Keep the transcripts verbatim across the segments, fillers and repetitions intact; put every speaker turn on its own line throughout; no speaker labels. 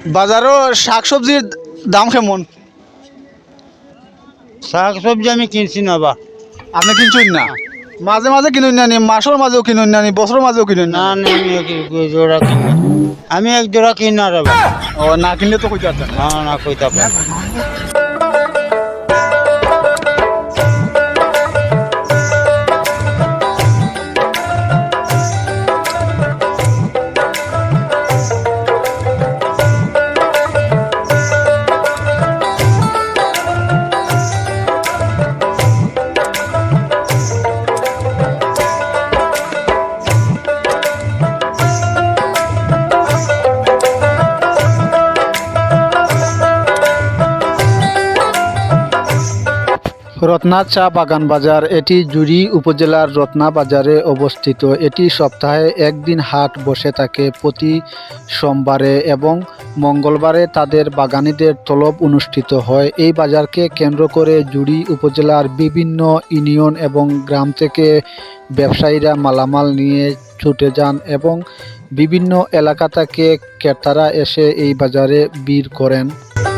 বাজারও শাক সবজির দাম কেমন?
শাক সবজি আমি কিনছি না বা।
আপনি কিনছেন না? মাঝে মাঝে কিনুন না নি, মাসের মাঝেও কিনুন না নি, বছরের মাঝেও কিনুন
না
না?
না আমি এক এক জোড়া কিনা আমি এক জোড়া কিনা রে বা।
ও না কিনলে তো কইতে পারতেন না।
না না কইতা পারি।
রত্না চা বাগান বাজার, এটি জুড়ি উপজেলার রত্না বাজারে অবস্থিত। এটি সপ্তাহে একদিন হাট বসে থাকে প্রতি সোমবারে এবং মঙ্গলবারে তাদের বাগানীদের তলব অনুষ্ঠিত হয়। এই বাজারকে কেন্দ্র করে জুড়ি উপজেলার বিভিন্ন ইউনিয়ন এবং গ্রাম থেকে ব্যবসায়ীরা মালামাল নিয়ে ছুটে যান এবং বিভিন্ন এলাকা থেকে ক্রেতারা এসে এই বাজারে ভিড় করেন।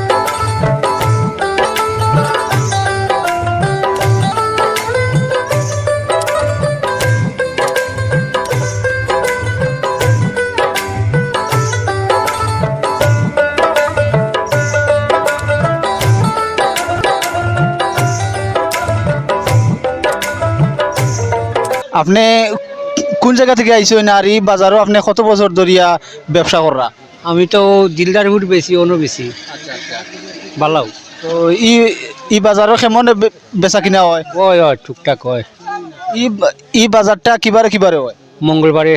আপনি কোন জায়গা থেকে আইছেন আর এই বাজারও আপনি কত বছর ধরিয়া ব্যবসা করা?
আমি তো দিলদার উঠ বেশি অন্য বেশি ভালো
তো ই ই বাজারও কেমন বে- বেচা কিনা হয়?
হয় হয় টুকটাক হয়
ই বা- ই বাজারটা কিবারে কিবারে হয়?
মঙ্গলবারে।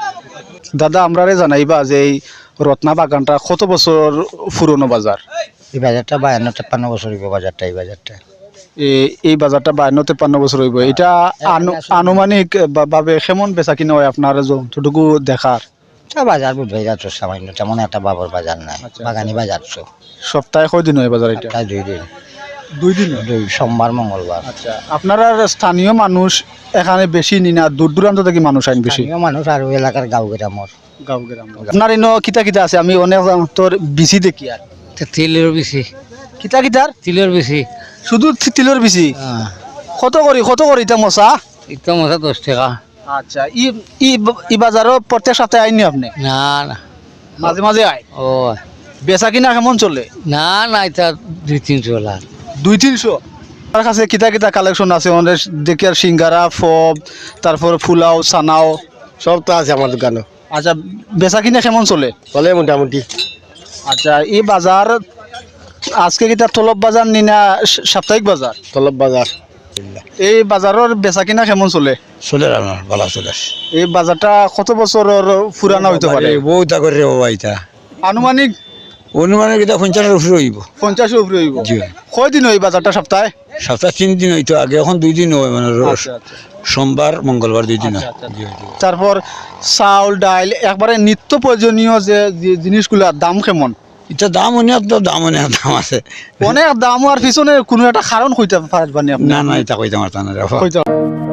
দাদা আমরারে জানাইবা যে এই রত্না বাগানটা কত বছর পুরনো বাজার?
এই বাজারটা বায়ান্ন তেপ্পান্ন বছর হইব বাজারটা এই বাজারটা
এ- এই বাজারটা বায়ান্ন তেপান্ন বছর হইব। এটা আনু- আনুমানিক বা- ভাবে কেমন বেচা কিনা হয় আপনার যতটুকু দেখার?
তা বাজার বুধ হয়ে যাচ্ছে সামান্য তেমন একটা বাবর বাজার নাই বাগানি বাজার তো
সপ্তাহে কয়দিন হয় বাজার এটা?
প্রায় দুই দিন
দুই দিন।
দুই সোমবার মঙ্গলবার।
আচ্ছা, আপনারা স্থানীয় মানুষ এখানে বেশি নি না দূর দূরান্ত থেকে মানুষ আইন বেশি?
স্থানীয় মানুষ আর ওই এলাকার গাঁও গ্রামর
গাঁও গ্রাম। আপনার ইনো কিতা কিতা আছে? আমি অনেক তোর বিসি দেখি আর
তিলের বেশি
কিতা কিতার
তিলের বেশি
শুধু থি- তিলের বিসি কত করি কত করি এটা মশা?
একদম মশা দশ টাকা।
আচ্ছা, ই ই ই বাজারও প্রত্যেক সপ্তাহে আইনি আপনি?
না না
মাঝে মাঝে আয়।
ও
বেচা কিনা কেমন চলে?
না না এটা দুই তিনশো লাখ।
দুই তিনশো আমার কাছে কিতা কিতা কালেকশন আছে আমাদের দেখি আর সিঙ্গারা ফব তারপর ফুলাও সানাও
সব তো আছে আমার দোকানে,
আচ্ছা, বেচা কিনা কেমন চলে?
চলে মোটামুটি।
আচ্ছা, এই বাজার আজকে কিতা তলব বাজার নি না স- সাপ্তাহিক বাজার?
তলব বাজার
এই বাজারের বেচা কিনা কেমন চলে?
চলে আমার ভালো চলে।
এই বাজারটা কত বছরের পুরানা হইতে পারে?
বউটা করে রে বাবা, এটা
আনুমানিক
অনুমানের কিতা পঞ্চাশের উপরে হইব।
পঞ্চাশের উপরে হইব।
জি
কয়দিন হয় বাজারটা সপ্তাহে?
সপ্তাহে তিন দিন হইতো আগে, এখন দুই দিন হয় মানে রোজ
আচ্ছা, আচ্ছা।
সোমবার মঙ্গলবার দুই দিন হয়।
আচ্ছা, আচ্ছা।
জি, জি।
তারপর চাউল ডাইল একবারে নিত্য প্রয়োজনীয় যে যে জিনিসগুলোর দাম কেমন?
এটা দাম অনেক তো দাম অনেক দাম আছে।
অনেক দাম আর পিছনে কোনো একটা কারণ কইতে পারবেন আপনি?
না না এটা কইতে পারতাম না রে বাবা।
কইতে